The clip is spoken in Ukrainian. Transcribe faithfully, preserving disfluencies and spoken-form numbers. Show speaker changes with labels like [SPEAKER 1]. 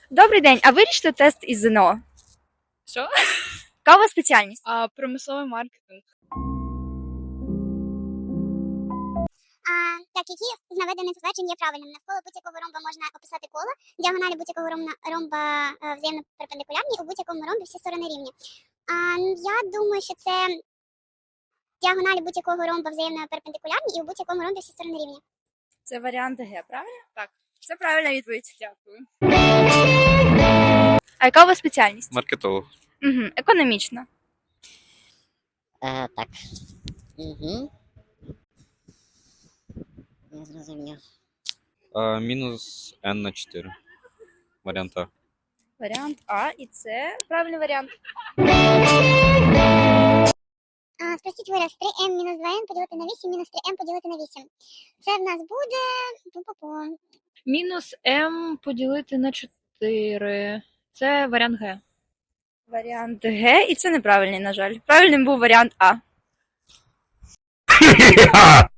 [SPEAKER 1] Добрий день, а вирішите тест із ЗНО?
[SPEAKER 2] Що?
[SPEAKER 1] Яка у вас спеціальність?
[SPEAKER 2] А, промисловий маркетинг.
[SPEAKER 3] А, так, які з наведених тверджень є правильними? Навколо будь-якого ромба можна описати коло, діагоналі будь-якого ромба, ромба е, взаємно перпендикулярні, у будь-якому ромбі всі сторони рівні. А, я думаю, що це діагоналі будь-якого ромба взаємно перпендикулярні і у будь-якому ромбі всі сторони рівні.
[SPEAKER 1] Це варіант Г, правильно?
[SPEAKER 2] Так.
[SPEAKER 1] Це правильна відповідь.
[SPEAKER 2] Дякую.
[SPEAKER 1] А яка у вас спеціальність?
[SPEAKER 4] Маркетолог.
[SPEAKER 1] Угу. Економічна.
[SPEAKER 5] Е, так. Угу. Не зрозумів.
[SPEAKER 4] А, мінус n на чотири. Варіант А.
[SPEAKER 1] Варіант А, і це правильний варіант.
[SPEAKER 3] А, спростіть вираз три ем мінус два ен поділити на вісім мінус три ем поділити на вісім. Це в нас буде... Пу-пу-пу.
[SPEAKER 2] Мінус М поділити на чотири. Це варіант Г.
[SPEAKER 1] Варіант Г, і це неправильний, на жаль. Правильним був варіант А.